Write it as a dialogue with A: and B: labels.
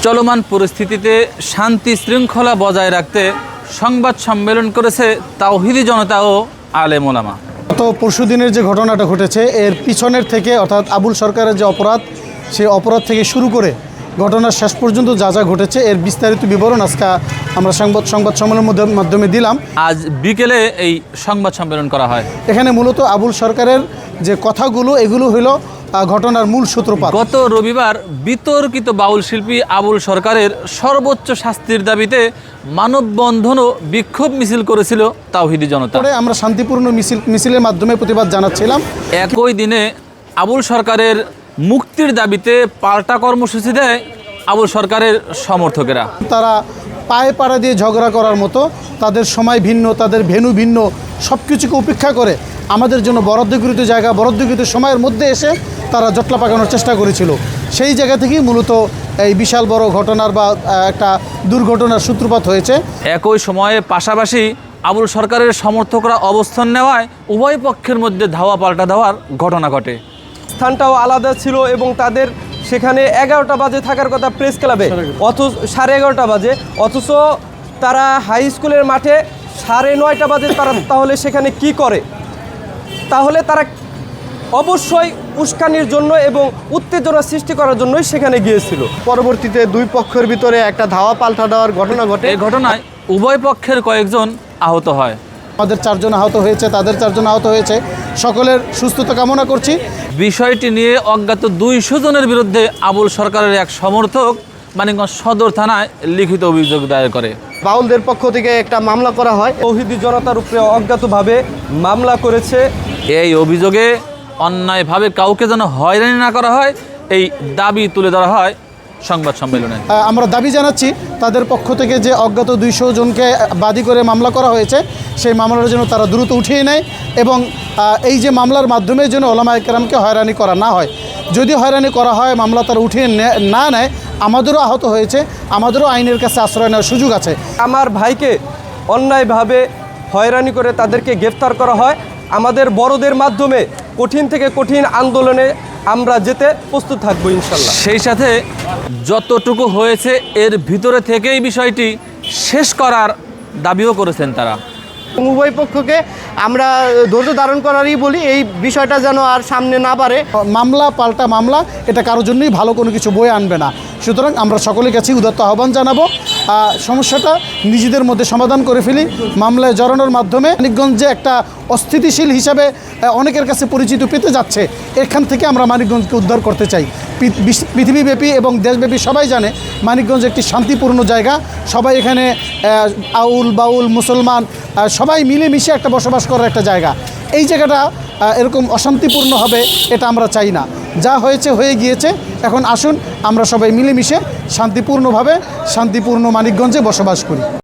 A: চলমান পরিস্থিতিতে শান্তি শৃঙ্খলা বজায় রাখতে সংবাদ সম্মেলন করেছে তাওহিদি জনতা ও আলেম ওলামা।
B: গত পরশুদিনের যে ঘটনাটা ঘটেছে এর পিছনের থেকে অর্থাৎ আবুল সরকারের যে অপরাধ, সেই অপরাধ থেকে শুরু করে ঘটনার শেষ পর্যন্ত যা যা ঘটেছে এর বিস্তারিত বিবরণ আজকে আমরা সংবাদ সম্মেলনের মাধ্যমে দিলাম।
A: আজ বিকেলে এই সংবাদ সম্মেলন করা হয়।
B: এখানে মূলত আবুল সরকারের যে কথাগুলো এগুলো হলো ঘটনার মূল সূত্রপাত।
A: গত রবিবার বিতর্কিত বাউল শিল্পী আবুল সরকারের সর্বোচ্চ শাস্তির দাবিতে মানববন্ধন ও বিক্ষোভ মিছিল করেছিল তাওহিদি জনতা।
B: আমরা শান্তিপূর্ণ মিছিলের মাধ্যমে প্রতিবাদ জানাচ্ছিলাম।
A: একই দিনে আবুল সরকারের মুক্তির দাবিতে পাল্টা কর্মসূচি দেয় আবুল সরকারের সমর্থকেরা।
B: তারা পায়ে পাড়া দিয়ে ঝগড়া করার মতো, তাদের সময় ভিন্ন, তাদের ভেন্যু ভিন্ন, সব কিছুকে উপেক্ষা করে আমাদের জন্য বরাদ্দকৃত জায়গা, বরাদ্দকৃত সময়ের মধ্যে এসে তারা জটলা পাকানোর চেষ্টা করেছিল। সেই জায়গা থেকেই মূলত এই বিশাল বড় ঘটনার বা একটা দুর্ঘটনার সূত্রপাত হয়েছে।
A: একই সময়ে পাশাপাশি আবুল সরকারের সমর্থকরা অবস্থান নেওয়ায় উভয় পক্ষের মধ্যে ধাওয়া পাল্টা দেওয়ার ঘটনা ঘটে।
C: স্থানটাও আলাদা ছিল এবং তাদের সেখানে 11টা বাজে থাকার কথা প্রেস ক্লাবে, অথচ 11:30 বাজে, অথচ তারা হাই স্কুলের মাঠে 9:30 বাজে তাহলে সেখানে কি করে? তাহলে তারা অবশ্যই উস্কানির জন্য এবং উত্তেজনা সৃষ্টি করার জন্যই সেখানে গিয়েছিল।
D: পরবর্তীতে দুই পক্ষের ভিতরে একটা ধাওয়া পাল্টা দেওয়ার ঘটনা ঘটে।
A: এই ঘটনায় উভয় পক্ষের কয়েকজন আহত হয়।
B: আমাদের 4 জন আহত হয়েছে, তাদের 4 জন আহত হয়েছে। সকলের সুস্থতা কামনা করছি।
A: বিষয়টি নিয়ে অজ্ঞাত 200 জনের বিরুদ্ধে আবুল সরকারের এক সমর্থক মানিকগঞ্জ সদর থানায় লিখিত অভিযোগ দায়ের করে।
D: বাউলদের পক্ষ থেকে একটা মামলা করা হয়।
C: তাওহিদি জনতার উপরে অজ্ঞাতভাবে মামলা করেছে।
A: এই অভিযোগে অন্যায়ভাবে কাউকে যেন হয়রানি না করা হয়, এই দাবি তুলে ধরা হয় সংবাদ সম্মেলনে।
B: আমরা দাবি জানাচ্ছি তাদের পক্ষ থেকে যে অজ্ঞাত 200 জনকে বাদী করে মামলা করা হয়েছে, সেই মামলার জন্য তারা দ্রুত উঠিয়ে নেয় এবং এই যে মামলার মাধ্যমে যেন ওলামায়ে কেরামকে হয়রানি করা না হয়। যদি হয়রানি করা হয়, মামলা তারা উঠিয়ে না নেয়, আমাদেরও আহত হয়েছে, আমাদেরও আইনের কাছে আশ্রয় নেওয়ার সুযোগ আছে।
C: আমার ভাইকে অন্যায়ভাবে হয়রানি করে তাদেরকে গ্রেফতার করা হয়। আমাদের বড়দের মাধ্যমে কঠিন থেকে কঠিন আন্দোলনে আমরা যেতে প্রস্তুত থাকবো ইনশাল্লাহ।
A: সেই সাথে যতটুকু হয়েছে এর ভিতরে থেকেই বিষয়টি শেষ করার দাবিও করেছেন তারা।
D: উভয় পক্ষকে আমরা ধৈর্য ধারণ করারই বলি, এই বিষয়টা যেন আর সামনে না বাড়ে।
B: মামলা পাল্টা মামলা এটা কারোর জন্যই ভালো কোনো কিছু বয়ে আনবে না। সুতরাং আমরা সকলের কাছে উদাত্ত আহ্বান জানাবো, সমস্যাটা নিজেদের মধ্যে সমাধান করে ফেলি। মামলায় জড়ানোর মাধ্যমে মানিকগঞ্জে একটা অস্থিতিশীল হিসাবে অনেকের কাছে পরিচিত পেতে যাচ্ছে। এখান থেকে আমরা মানিকগঞ্জকে উদ্ধার করতে চাই। পৃথিবীব্যাপী এবং দেশব্যাপী সবাই জানে মানিকগঞ্জ একটি শান্তিপূর্ণ জায়গা। সবাই এখানে আউল বাউল মুসলমান সবাই মিলেমিশে একটা বসবাস করার একটা জায়গা। এই জায়গাটা এরকম অশান্তিপূর্ণ হবে এটা আমরা চাই না। যা হয়েছে হয়ে গিয়েছে, এখন আসুন আমরা সবাই মিলেমিশে শান্তিপূর্ণ মানিকগঞ্জে বসবাস করি।